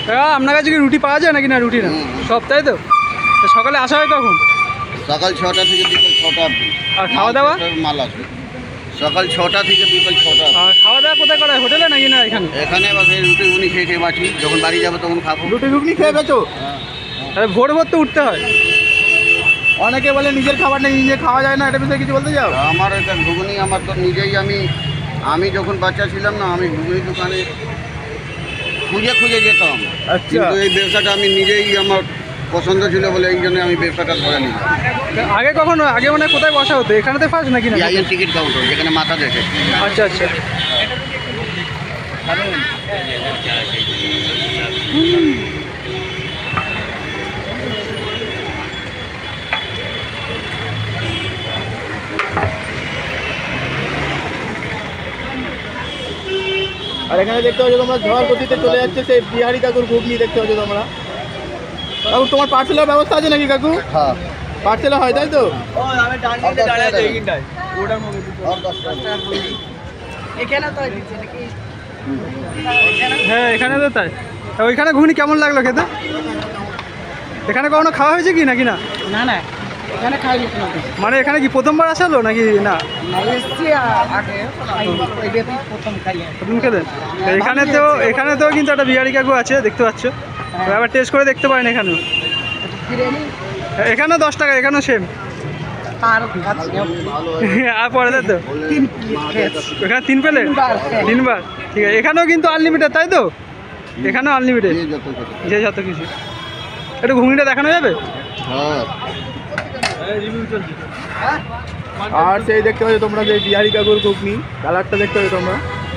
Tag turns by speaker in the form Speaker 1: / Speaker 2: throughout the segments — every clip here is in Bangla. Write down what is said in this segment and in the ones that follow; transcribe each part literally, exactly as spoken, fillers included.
Speaker 1: আপনার কাছে কি রুটি পাওয়া যায় নাকি না? রুটি না সব, তাই তো? সকালে আসা হয় কখন?
Speaker 2: সকাল ছটা থেকে বিকাল ছটা অবধি।
Speaker 1: আর খাওয়া দাওয়া?
Speaker 2: মাল আছে সকাল ছটা থেকে বিকাল ছটা।
Speaker 1: আর খাওয়া দাওয়া কোথায় করা হয়, হোটেলে নাকি না এখানে?
Speaker 2: এখানে বা রুটি ঘুগনি খেয়ে খেয়ে বাঁচি, যখন বাড়ি যাবো তখন খাবো।
Speaker 1: রুটি ঘুগনি খেয়ে বেচো? তাহলে ভোর ভোর তো উঠতে হয়। অনেকে বলে নিজের খাবার নেই, নিজে খাওয়া যায় না, এটা বিষয়ে কিছু বলতে চাও?
Speaker 2: আমার এটা ঘুগনি আমার তো নিজেই, আমি আমি যখন বাচ্চা ছিলাম না, আমি ঘুগনি দোকানে খুঁজে খুঁজে যেতাম।
Speaker 1: আচ্ছা।
Speaker 2: কিন্তু এই ব্যবসাটা আমি নিজেই, আমার পছন্দ ছিল বলে এই জন্য আমি ব্যবসাটা ধরে নিলাম।
Speaker 1: আগে কখনো আগে মানে কোথায় বসা হতো? এখানেতে ফার্স্ট নাকি না?
Speaker 2: আইএন টিকিট কাউন্টার, যেখানে মাথা দেখে।
Speaker 1: আচ্ছা আচ্ছা। আর এখানে দেখতে পাচ্ছ তোমরা ঝড় গতিতে চলে যাচ্ছে সেই বিহারি কাকুর ঘুগনি দেখতে পাচ্ছ তোমরা। কাকু তোমার পার্সেলের ব্যবস্থা আছে নাকি কাকু?
Speaker 2: হ্যাঁ,
Speaker 1: পার্সেলে হয় তাই তো? হ্যাঁ এখানে তো তাই। তা ওইখানে ঘুগনি কেমন লাগলো খেতে? এখানে কখনো খাওয়া হয়েছে কি নাকি না?
Speaker 3: না না, এখানে খাইনি কোনো।
Speaker 1: মানে এখানে কি প্রথমবার আসালো নাকি না?
Speaker 3: এসছি আগে, প্রথম খাই।
Speaker 1: প্রথম খেলেন? এখানে তো এখানে তো কিন্তু একটা বিহারি কাকু আছে দেখতে পাচ্ছ, তো আবার টেস্ট করে দেখতে পারেন এখানেও।
Speaker 3: বিরিয়ানি
Speaker 1: এখানেও দশ টাকা, এখানেও সেম।
Speaker 3: আর
Speaker 1: আর পরে তাই তো
Speaker 3: তিন
Speaker 1: এখানে তিন পেলে তিনবার, ঠিক আছে। এখানেও কিন্তু আনলিমিটেড তাই তো? এখানেও আনলিমিটেড, যে যত কিছু। একটু ঘুগনিটা দেখানো যাবে?
Speaker 2: হ্যাঁ।
Speaker 1: আর সেই দেখতে পাচ্ছ তোমরা যে বিহারি কাকুর ঘুগনি, কালারটা দেখতে পাচ্ছ তোমরা।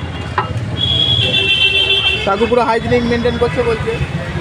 Speaker 1: কাকু পুরো হাইজিনিক মেনটেন করছে বলছে।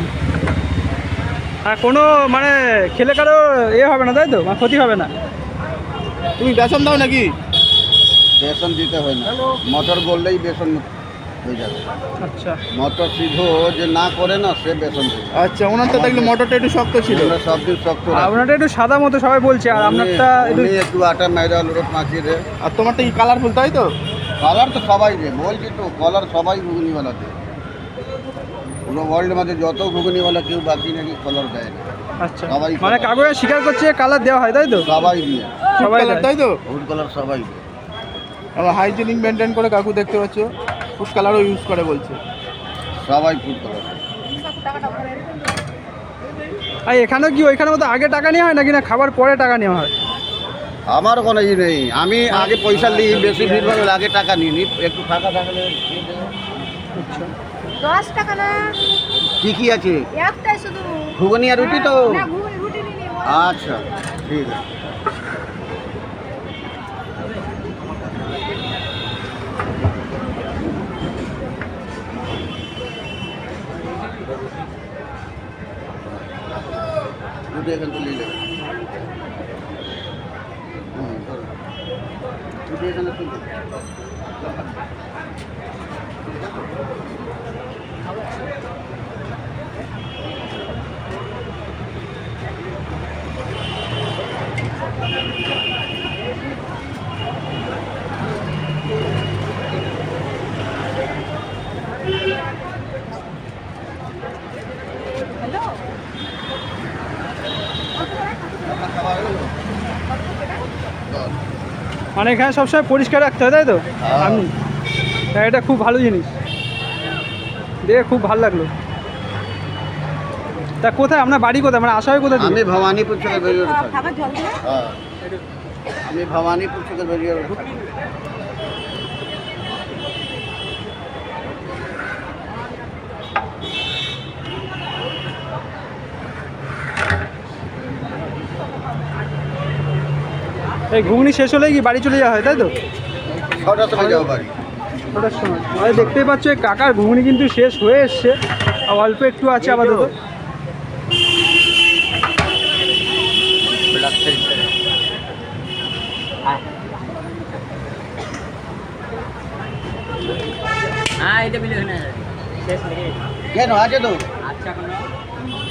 Speaker 1: আর কোনো মানে খেলে কারো এ হবে না তাই তো, মানে ক্ষতি হবে না? তুমি বেসন দাও নাকি?
Speaker 2: বেসন দিতে হয় না, মটর বললেই বেসন হয়ে যাবে।
Speaker 1: আচ্ছা
Speaker 2: মটর সিদ্ধ যে না করে না, সে বেসন দেবে।
Speaker 1: আচ্ছা, ওনারটা দেখলে মটরটা একটু শক্ত ছিল,
Speaker 2: আমরা সব দিন শক্ত রাখি।
Speaker 1: আপনারটা একটু সাদা মতো সবাই বলছে, আর আপনারটা একটু
Speaker 2: উনি একটু আটা ময়দা লোট মাখিয়ে দেয়।
Speaker 1: আর তোমারটা কি কালারফুল তাই তো?
Speaker 2: কালার তো সবাই দেয়, বলছি তো, কালার সবাই ঘুগনিওয়ালা দেয়। পুরো ওয়ার্ল্ডের মধ্যে যত ঘুগনিওয়ালা কেউ বাকি নাকি কালার দেয় না।
Speaker 1: আচ্ছা,
Speaker 2: সবাই
Speaker 1: মানে কাগজে স্বীকার করছে কালার দেওয়া হয় তাই তো?
Speaker 2: সবাই দিয়ে,
Speaker 1: সবাই দেয়, তাই তো?
Speaker 2: ফুড কালার সবাই দেয়।
Speaker 1: আবার হাইজিনিক মেনটেন করে কাকু দেখতে পাচ্ছ, ফুড কালারও ইউজ করে বলছে।
Speaker 2: সবাই ফুড কালার।
Speaker 1: আর এখানেও কি ওইখানের মতো আগে টাকা নেওয়া হয় নাকি না খাবার পরে টাকা নেওয়া হয়?
Speaker 2: আমার কোনো ই নেই, আমি আগে পয়সা নিই, বেশি ভিড় ভাড়া আগে টাকা নিই নি, একটু ফাঁকা থাকলে।
Speaker 1: আচ্ছা,
Speaker 4: দশ টাকা না,
Speaker 2: কি কি আছে?
Speaker 4: একটাই শুধু
Speaker 2: ঘুগনি আর রুটি তো?
Speaker 4: না, ঘুগনি রুটি নিয়ে নিও।
Speaker 2: আচ্ছা ঠিক আছে। রুটি এখান থেকে নিয়ে নেবে। হুম, ধরো। রুটি এখানে তুলবে।
Speaker 4: হ্যালো,
Speaker 2: খাবার হলো?
Speaker 1: মানে এখানে সবসময় পরিষ্কার রাখতে হয় তাই তো?
Speaker 2: হ্যাঁ।
Speaker 1: আমি হ্যাঁ, এটা খুব ভালো জিনিস, দেখে খুব ভালো লাগলো। তা কোথায় আপনার বাড়ি কোথায়, মানে আসা হয় কোথায় থেকে?
Speaker 2: আমি ভবানীপুর থেকে বেরিয়ে থাকি।
Speaker 4: খাবার জল দেবে?
Speaker 2: হ্যাঁ, আমি ভবানীপুর থেকে বেরিয়ে থাকি।
Speaker 1: এই ঘুগনি শেষ হলেই কি বাড়ি চলে যাওয়া হয় তাই তো?
Speaker 2: ছটার সময় যাবো বাড়ি।
Speaker 1: ওটার সময় আর দেখতেই পাচ্ছ এই কাকার ঘুগনি কিন্তু শেষ হয়ে এসছে, আর অল্প একটু আছে আপাতত।
Speaker 3: হ্যাঁ, এটা বিলে না শেষ নাকি?
Speaker 2: কেন আছে তো?
Speaker 3: আচ্ছা, কোনো